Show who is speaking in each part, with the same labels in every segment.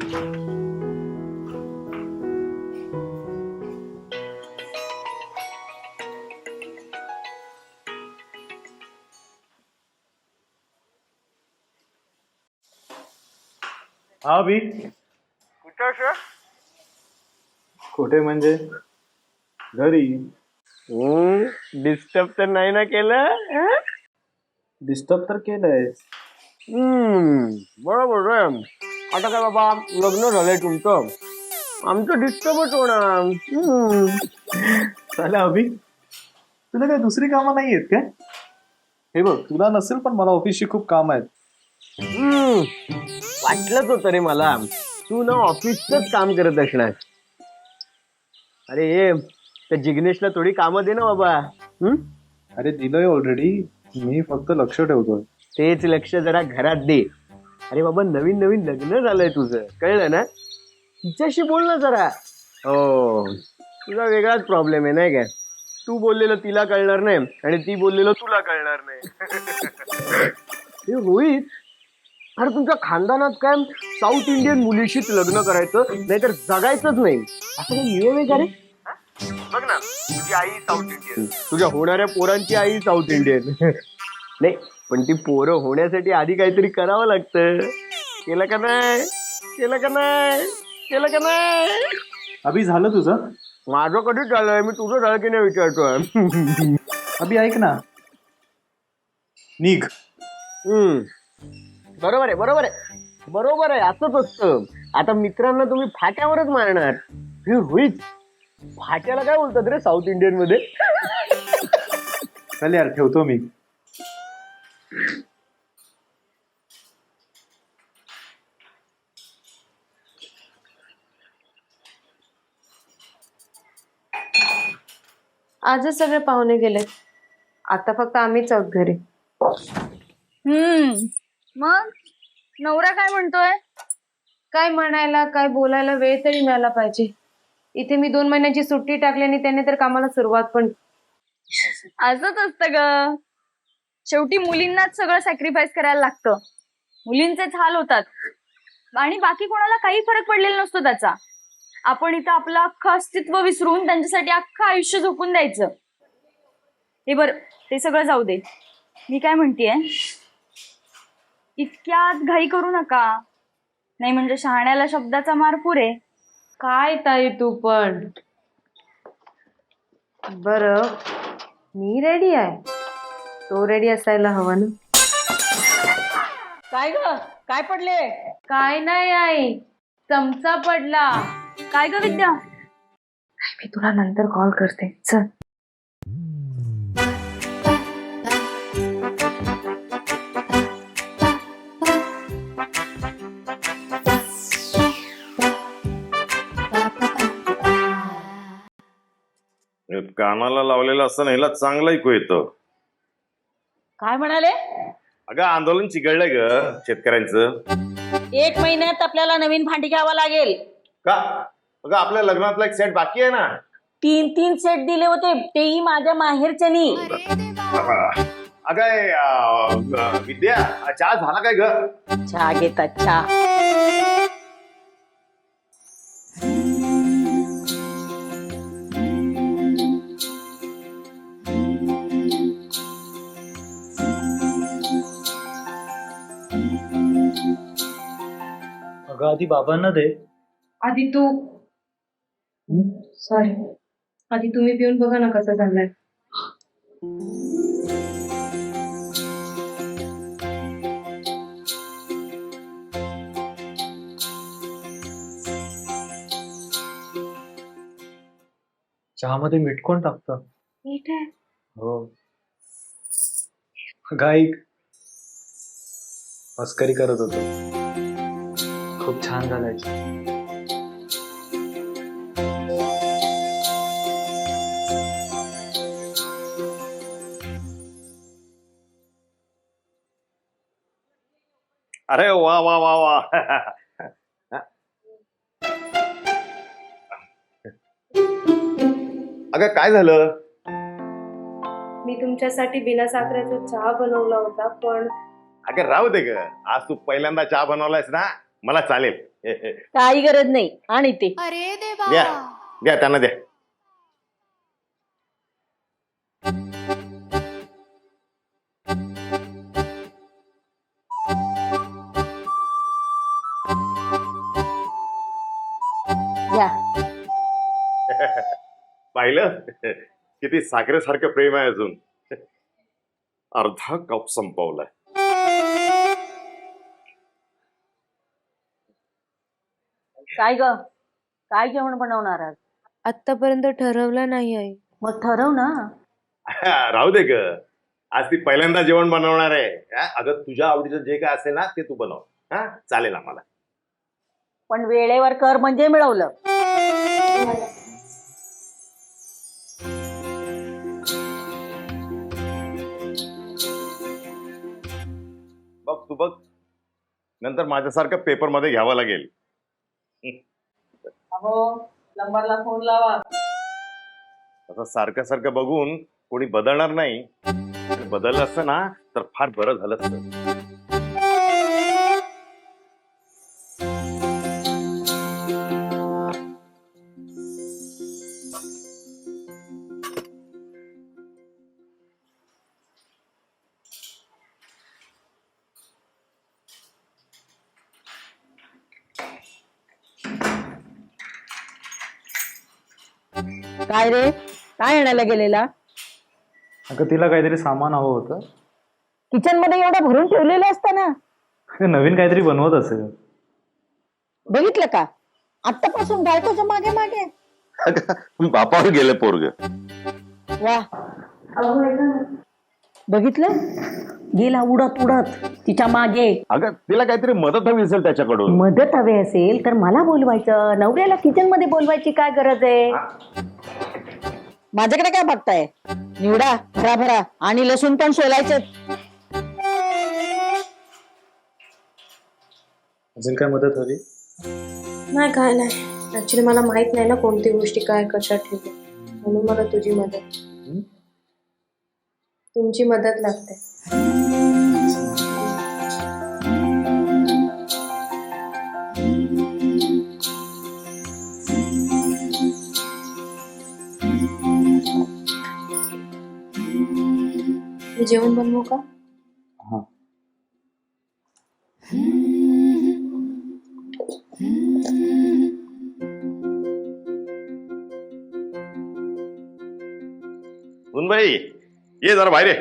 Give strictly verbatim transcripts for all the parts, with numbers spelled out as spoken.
Speaker 1: हा बी
Speaker 2: कुठं सर?
Speaker 1: कुठे म्हणजे घरी.
Speaker 2: डिस्टर्ब तर नाही ना केलं?
Speaker 1: डिस्टर्ब तर केलंय.
Speaker 2: हम्म बरोबर आहे. आता काय बाबा लग्न झालंय तुमचं, आमचं डिस्टर्बच होणार. हम्म.
Speaker 1: चालेल अभि, तुला काय दुसरी कामं नाही आहेत काय? हे बघ, तुला नसेल पण मला ऑफिसची खूप काम आहेत.
Speaker 2: हम्म वाटलंच होतं रे मला, तू ना ऑफिसच काम करत असणार. अरे ये त्या जिग्नेशला थोडी कामं दे ना बाबा. हम्म
Speaker 1: अरे दिलंय ऑलरेडी, मी फक्त लक्ष ठेवतोय.
Speaker 2: तेच लक्ष जरा घरात दे. अरे बाबा नवीन नवीन लग्न झालंय तुझं, कळलं ना? तिच्याशी बोल ना जरा. हो तुझा वेगळाच प्रॉब्लेम आहे नाही काय? तू बोललेलं तिला कळणार नाही आणि ती बोललेलं तुला कळणार नाही. हे रोहित, अरे तुमच्या खानदानात काय साऊथ इंडियन मुलीशीच लग्न करायचं नाहीतर जगायचंच नाही असं काही नियम आहे का रे? बघ ना, तुझी आई साऊथ इंडियन, तुझ्या होणाऱ्या पोरांची आई साऊथ इंडियन. नाही पण ती पोरं होण्यासाठी आधी काहीतरी करावं लागतं. केलं का नाही? केलं का नाही? केलं का नाही?
Speaker 1: अभि झालं तुझं?
Speaker 2: माझं कधीच झालंय, मी तुझं झालं की नाही विचारतोय.
Speaker 1: अभि ऐक ना, निघ.
Speaker 2: हम्म बरोबर आहे बरोबर आहे बरोबर आहे असंच असतं. आता मित्रांना तुम्ही फाट्यावरच मारणार. हे रोहित, फाट्याला काय बोलतात रे साऊथ इंडियन मध्ये?
Speaker 1: चल यार ठेवतो मी.
Speaker 3: आजच सगळे पाहुणे गेले, आता फक्त आम्हीच आहोत घरी.
Speaker 4: हम्म मग नवरा काय म्हणतोय?
Speaker 3: काय म्हणायला काय बोलायला वेळ तरी मिळाला पाहिजे. इथे मी दोन महिन्याची सुट्टी टाकली आणि त्याने तर कामाला सुरुवात पण.
Speaker 4: असंच असतं ग, शेवटी मुलींनाच सगळं सॅक्रिफाईस करायला लागतं. मुलींचेच हाल होतात आणि बाकी कोणाला काही फरक पडलेला नसतो त्याचा. आपण इथं आपलं अख्खं अस्तित्व विसरून त्यांच्यासाठी अख्खं आयुष्य झोपून द्यायचं. हे बर, ते सगळं जाऊ दे. मी काय म्हणतेय, इतक्यात घाई करू नका, नाही म्हणजे शहाण्याला शब्दाचा मार पुरे.
Speaker 3: काय ताई तू पण. बर मी रेडी आहे, तो रेडी असायला हवा ना.
Speaker 4: काय ग, काय पडले?
Speaker 3: काय नाही आई, चमचा पडला.
Speaker 4: काय ग विद्या?
Speaker 3: मी तुला नंतर कॉल करते, चल.
Speaker 5: कानाला लावलेलं असताना ह्याला चांगलं ऐकू येतं.
Speaker 6: काय म्हणाले?
Speaker 5: अगं आंदोलन चिघळलंय ग शेतकऱ्यांचं.
Speaker 6: एक महिन्यात आपल्याला नवीन भांडी घ्यावं लागेल.
Speaker 5: का? अगं आपल्या लग्नातला एक सेट बाकी आहे ना.
Speaker 6: तीन तीन सेट दिले होते, तेही माझ्या माहेरच्यानी.
Speaker 5: अगं ए, अं, विद्या चहा झाला काय ग?
Speaker 6: चहा घेतात चहा.
Speaker 1: अगं आधी बाबांना दे.
Speaker 3: आधी तू. सॉरी, आधी तुम्ही पिऊन बघा ना कसं झालंय.
Speaker 1: चहामध्ये मीठ कोण टाकतं?
Speaker 3: मीठ आहे.
Speaker 1: हो. अगं ऐक, मस्करी करत होतो. खूप छान झालाय.
Speaker 5: अरे वा वा वा वा. अगं काय झालं?
Speaker 3: मी तुमच्यासाठी बिना साखरेचा चहा बनवला होता पण.
Speaker 5: अगं राहू दे ग, आज तू पहिल्यांदा चहा बनवलायस ना, मला चालेल.
Speaker 6: काही गरज नाही आणि ते
Speaker 4: अरे देवा.
Speaker 5: द्या द्या त्यांना द्या.
Speaker 6: घ्या.
Speaker 5: पाहिलं किती साखरेसारखं प्रेम आहे अजून. अर्धा कप संपवलाय.
Speaker 6: काय ग काय जेवण बनवणार आज?
Speaker 3: आतापर्यंत ठरवलं नाही आहे.
Speaker 6: मग ठरव ना.
Speaker 5: राहू दे ग, आज ती पहिल्यांदा जेवण बनवणार आहे. हा? अगं तुझ्या आवडीचं जे काय असेल ना ते तू बनव. हा चालेल आम्हाला.
Speaker 6: पण वेळेवर कर म्हणजे मिळवलं.
Speaker 5: बघ तू बघ, नंतर माझ्यासारखं पेपर मध्ये घ्यावं लागेल.
Speaker 6: नंबरला फोन लावा.
Speaker 5: असं सारखं सारखं बघून कोणी बदलणार नाही. बदललं असतं ना तर फार बरं झालं असतं.
Speaker 6: काय रे काय आणायला गेलेला?
Speaker 1: अगं तिला काहीतरी सामान हवं होतं.
Speaker 6: किचन मध्ये एवढं भरून ठेवलेलं असतं ना.
Speaker 1: अगं नवीन काहीतरी बनवत असेल.
Speaker 6: बघितलं का आतापासून बायकोच्या मागे मागे.
Speaker 5: बापावर गेलं पोरग.
Speaker 6: वा बघितलं गेला उडत उडत तिच्या मागे.
Speaker 5: अगं तिला काहीतरी मदत हवी असेल त्याच्याकडून.
Speaker 6: मदत हवी असेल तर मला बोलवायचं. नवऱ्याला किचन मध्ये बोलवायची काय गरज आहे? माझ्याकडे काय बघताय? निवडा भरा भरा आणि लसूण पण सोलायचं.
Speaker 1: अजून काय मदत हवी?
Speaker 3: नाही काय नाही, ऍक्च्युली मला माहित नाही ना कोणती गोष्टी काय कशात ठेवू, म्हणून मला तुझी मदत तुमची मदत लागते. मी जेवण बनवू का?
Speaker 1: हा.
Speaker 5: सुनबाई ये जरा बाहेर ये.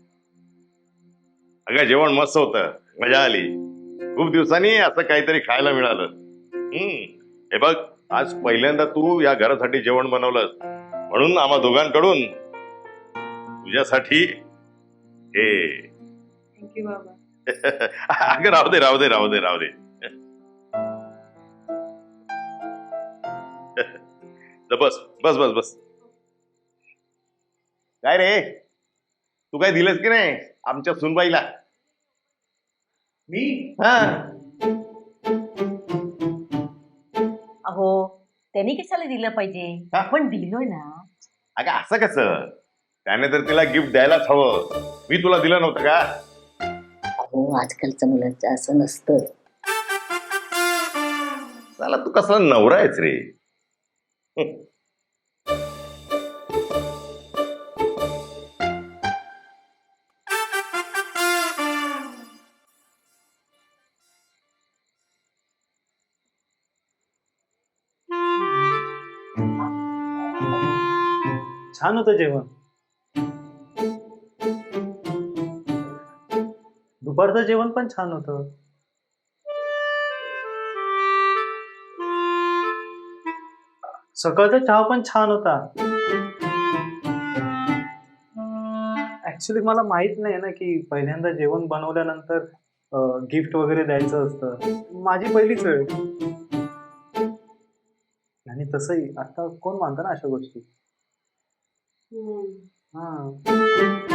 Speaker 5: अगं जेवण मस्त होतं, मजा आली. खूप दिवसांनी असं काहीतरी खायला मिळालं. हम्म हे बघ आज पहिल्यांदा तू या घरासाठी जेवण बनवलंस म्हणून आम्हा दोघांकडून तुझ्यासाठी हे.
Speaker 3: थँक्यू बाबा.
Speaker 5: अगं राहू दे राहू दे राहू दे राहू दे. बस बस बस बस. काय रे तू काय दिलंस की नाही आमच्या सुनबाईला?
Speaker 1: मी
Speaker 5: हा
Speaker 6: अहो त्यांनी कशाला दिलं पाहिजे?
Speaker 5: हा?
Speaker 6: आपण दिलोय ना.
Speaker 5: अगं असं कसं? त्याने तर तिला गिफ्ट द्यायलाच हवं. मी तुला दिलं नव्हतं का?
Speaker 6: अहो आजकालच्या मुलांचं असं नसतं.
Speaker 5: चला तू कसा नवरा आहेस रे.
Speaker 1: छान होतं जेवण. दुपारचं जेवण पण छान होतं. सकाळचा चहा पण छान होता. ऍक्च्युली मला माहित नाही ना की पहिल्यांदा जेवण बनवल्यानंतर गिफ्ट वगैरे द्यायचं असतं. माझी पहिलीच वेळ. आणि तसंही आता कोण मानतं ना अशा गोष्टी. हा.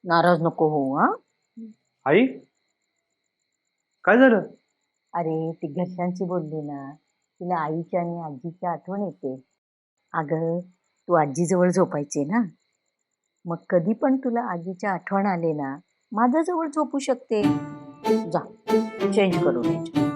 Speaker 6: नाराज नको हो हा.
Speaker 1: आई काय झालं?
Speaker 6: अरे ती घरच्यांची बोलली ना, तिला आईच्या आणि आजीची आठवण येते. अगं तू आजीजवळ झोपायची ना, मग कधी पण तुला आजीच्या आठवण आले ना, माझ्याजवळ झोपू शकते. जा चेंज करून यायचं.